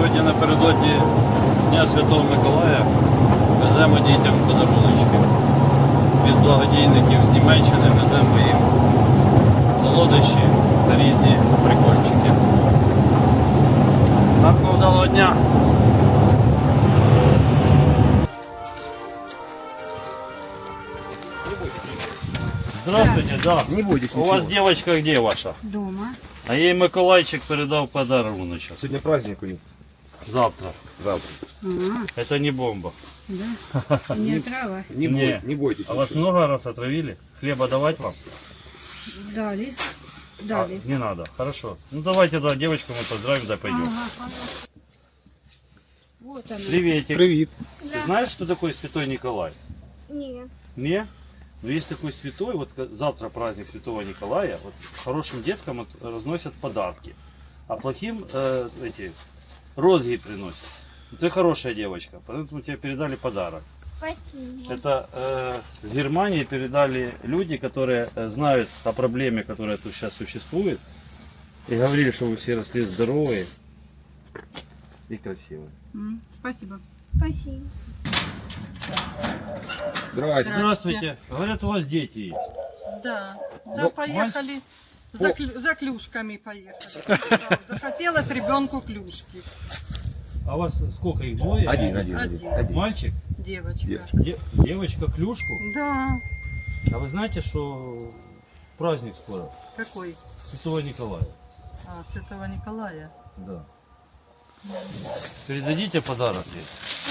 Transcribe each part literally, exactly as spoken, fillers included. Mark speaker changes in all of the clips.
Speaker 1: Сьогодні напередодні Дня Святого Миколая веземо дітям подаруночки від благодійників з Німеччини, веземо їм солодощі та різні прикольчики. Гарного вдалого дня! Здравствуйте, да.
Speaker 2: Не бойтесь
Speaker 1: У
Speaker 2: ничего.
Speaker 1: вас девочка где ваша?
Speaker 3: Дома.
Speaker 1: А ей Миколайчик передал подаруночек.
Speaker 2: Сегодня праздник у них.
Speaker 1: Завтра.
Speaker 2: Завтра.
Speaker 3: А,
Speaker 1: Это не бомба.
Speaker 3: да? Не трава.
Speaker 2: Не,
Speaker 1: Не.
Speaker 2: бой- не бойтесь
Speaker 1: А вас
Speaker 2: ничего.
Speaker 1: много раз отравили? Хлеба давать вам?
Speaker 3: Дали.
Speaker 1: А,
Speaker 3: Дали.
Speaker 1: не надо. Хорошо. Ну давайте, да, девочку мы поздравим, да пойдем.
Speaker 3: Ага, ага. Вот она.
Speaker 1: Приветик.
Speaker 2: Привет.
Speaker 1: Ты знаешь, что такое Святой Николай?
Speaker 4: Не.
Speaker 1: Не? Но есть такой святой, вот ка- завтра праздник Святого Николая, вот хорошим деткам от- разносят подарки, а плохим э, эти розги приносят. Ты хорошая девочка, поэтому тебе передали подарок.
Speaker 4: Спасибо.
Speaker 1: Это э, с Германии передали люди, которые э, знают о проблеме, которая тут сейчас существует, и говорили, что вы все росли здоровые и красивые.
Speaker 3: М, Спасибо.
Speaker 4: Спасибо.
Speaker 2: Здрасте.
Speaker 1: Здравствуйте. Говорят, у вас дети есть.
Speaker 5: Да, да,
Speaker 2: Ну,
Speaker 5: поехали. За, клю- за клюшками поехали. Да, захотелось ребенку клюшки.
Speaker 1: А у вас сколько их, двое?
Speaker 2: Один, один, один.
Speaker 5: Один.
Speaker 2: один.
Speaker 1: Мальчик?
Speaker 5: Девочка.
Speaker 2: Де-
Speaker 1: Де- девочка клюшку?
Speaker 5: Да.
Speaker 1: А вы знаете, что праздник скоро?
Speaker 5: Какой?
Speaker 1: Святого Николая.
Speaker 5: А, Святого Николая.
Speaker 1: Да. Передадите подарок ей.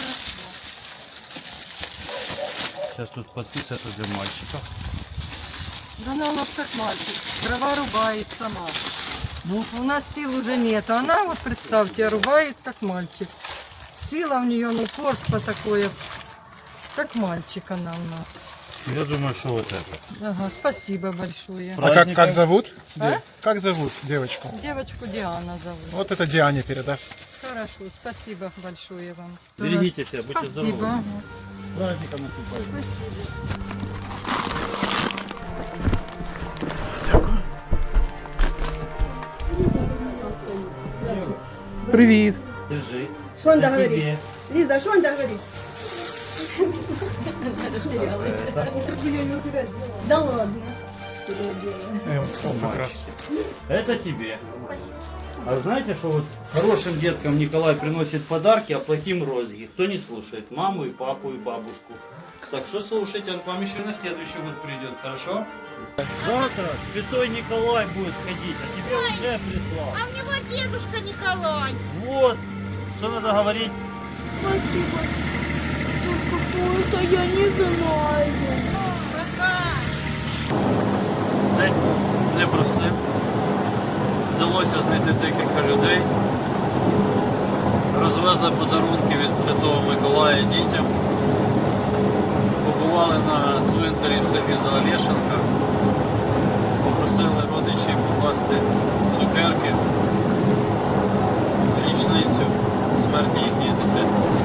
Speaker 1: Сейчас тут подписывают для мальчика.
Speaker 5: Да она у нас как мальчик. Дрова рубает сама. Ну, у нас сил уже нет. А она, вот представьте, рубает как мальчик. Сила у нее, ну, упорство такое. Как мальчик она у нас.
Speaker 1: Я думаю, что вот это.
Speaker 5: Ага, спасибо большое.
Speaker 6: А как,
Speaker 1: Праздником.
Speaker 6: как зовут?
Speaker 5: А?
Speaker 6: Де- Как зовут девочку?
Speaker 5: Девочку Диана зовут.
Speaker 6: Вот это Диане передашь.
Speaker 5: Хорошо, спасибо большое вам.
Speaker 1: Берегите себя, будьте
Speaker 5: Спасибо.
Speaker 1: здоровы. С праздником наступающим.
Speaker 6: Привет.
Speaker 1: Держи.
Speaker 7: Что он
Speaker 1: Это
Speaker 7: говорит?
Speaker 1: тебе.
Speaker 7: Лиза, что он говорит? Да ладно.
Speaker 6: Э, вот как раз.
Speaker 1: Это тебе.
Speaker 4: Спасибо.
Speaker 1: А вы знаете, что вот хорошим деткам Николай приносит подарки, а плохим розги? Кто не слушает? Маму и папу и бабушку. Так что слушайте, он к вам еще на следующий год придет, хорошо? Завтра Святой Николай будет ходить, а тебе уже прислал.
Speaker 4: А у него дедушка Николай.
Speaker 1: Вот. Что надо говорить?
Speaker 4: Спасибо. Только я не знаю.
Speaker 1: День непростий. Вдалося знайти декілька людей. Розвезли подарунки від Святого Миколая дітям. Побували на цвинтарі в селі Заолєшенка. Попросили родичів покласти цукерки в річницю смерті їхньої дитини.